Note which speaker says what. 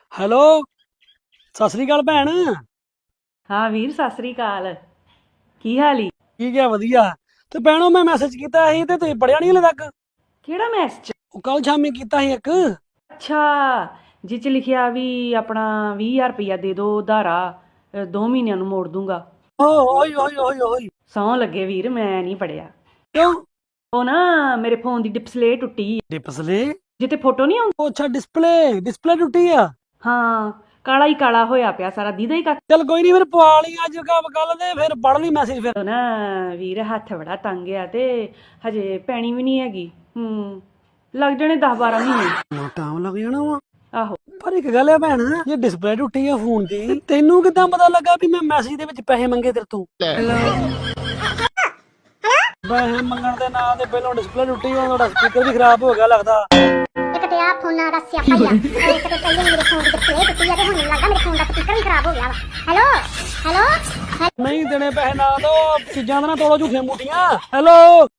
Speaker 1: Hello, ਸਤਿ ਸ੍ਰੀ ਅਕਾਲ ਭੈਣ।
Speaker 2: ਹਾਂ ਵੀਰ, ਸਤਿ ਸ੍ਰੀ ਅਕਾਲ। ਕੀ ਹਾਲ ਈ?
Speaker 1: ਠੀਕ ਹੈ, ਵਧੀਆ। ਤੇ ਭੈਣੋ ਮੈਂ ਮੈਸੇਜ ਕੀਤਾ ਸੀ ਤੇ ਤੁਸੀਂ ਪੜਿਆ ਨਹੀਂ ਹਲੇ ਤੱਕ।
Speaker 2: ਕਿਹੜਾ ਮੈਸੇਜ?
Speaker 1: ਉਹ ਕੱਲ ਸ਼ਾਮੀ ਕੀਤਾ ਸੀ ਇੱਕ।
Speaker 2: ਅੱਛਾ, ਜਿਹ ਚ ਲਿਖਿਆ ਵੀ ਆਪਣਾ 20,000 ਰੁਪਇਆ ਦੇ ਦਿਓ ਉਧਾਰਾ, 2 ਮਹੀਨਿਆਂ ਨੂੰ ਮੋੜ ਦੂੰਗਾ।
Speaker 1: ਓਏ ਓਏ ਓਏ ਓਏ।
Speaker 2: ਸਹੁੰ ਲੱਗੇ ਵੀਰ, ਮੈਂ ਨਹੀਂ ਪੜਿਆ।
Speaker 1: ਕਿਉਂ?
Speaker 2: ਉਹ ਨਾ ਮੇਰੇ ਫੋਨ ਦੀ ਡਿਸਪਲੇ ਟੁੱਟੀ।
Speaker 1: ਡਿਸਪਲੇ?
Speaker 2: ਜਿੱਤੇ ਫੋਟੋ ਨਹੀਂ ਆਉਂਦੀ।
Speaker 1: ਉਹ ਅੱਛਾ, ਡਿਸਪਲੇ ਟੁੱਟੀ ਆ।
Speaker 2: ਹਾਂ, ਕਾਲਾ ਹੀ ਕਾਲਾ ਹੋਇਆ ਪਿਆ ਸਾਰਾ, ਦੀਦਾ ਹੀ ਕੱਖ।
Speaker 1: ਚੱਲ ਕੋਈ ਨਹੀਂ, ਫਿਰ ਪਵਾ ਲਈ ਅੱਜ ਕੱਲ ਦੇ, ਫਿਰ ਪੜ ਲਈ ਮੈਸੇਜ ਫਿਰ।
Speaker 2: ਉਹ ਨਾ ਵੀਰ ਹੱਥ ਬੜਾ ਤੰਗ ਆ ਤੇ ਹਜੇ ਪੈਣੀ ਵੀ ਨਹੀਂ ਹੈਗੀ। ਲੱਗ ਜਾਣੇ 10-12 ਮਹੀਨੇ।
Speaker 1: ਟਾਈਮ ਲੱਗ ਜਾਣਾ ਵਾ।
Speaker 2: ਆਹੋ।
Speaker 1: ਪਰ ਇੱਕ ਗੱਲ ਹੈ ਭੈਣ, ਜੇ ਡਿਸਪਲੇ ਟੁੱਟੀ ਆ ਫੋਨ ਦੀ, ਤੈਨੂੰ ਕਿੱਦਾਂ ਪਤਾ ਲੱਗਾ ਵੀ ਮੈਂ ਮੈਸੇਜ ਦੇ ਵਿੱਚ ਪੈਸੇ ਮੰਗੇ ਤੇਰੇ ਤੋਂ? ਪੈਸੇ ਮੰਗਣ ਦੇ ਨਾਂ ਤੇ ਪਹਿਲਾਂ ਡਿਸਪਲੇ ਟੁੱਟੀ, ਉਹਦਾ ਸਪੀਕਰ ਵੀ ਖਰਾਬ ਹੋ ਗਿਆ ਲੱਗਦਾ।
Speaker 3: ਇੱਕ ਤੇ ਆ ਫੋਨਾਂ ਦਾ ਸਿਆਪਾ ਹੀ ਆ। ਇੱਕ ਤੇ ਪਹਿਲੇ ਮੇਰੇ ਫੋਨ ਦੀ ਡਿਸਪਲੇ ਟੁੱਟੀ ਆ ਤੇ ਹੁਣ ਮੈਨੂੰ ਲੱਗਦਾ ਮੇਰੇ ਫੋਨ ਦਾ ਸਪੀਕਰ ਵੀ ਖਰਾਬ ਹੋ ਗਿਆ ਵਾ। ਹੈਲੋ।
Speaker 1: ਨਹੀਂ ਦੇਣੇ ਪੈਸੇ ਨਾ ਦੋ, ਚੀਜ਼ਾਂ ਦਾ ਨਾ ਤੋੜੋ ਝੂਠੀਆਂ ਮੂਠੀਆਂ। ਹੈਲੋ।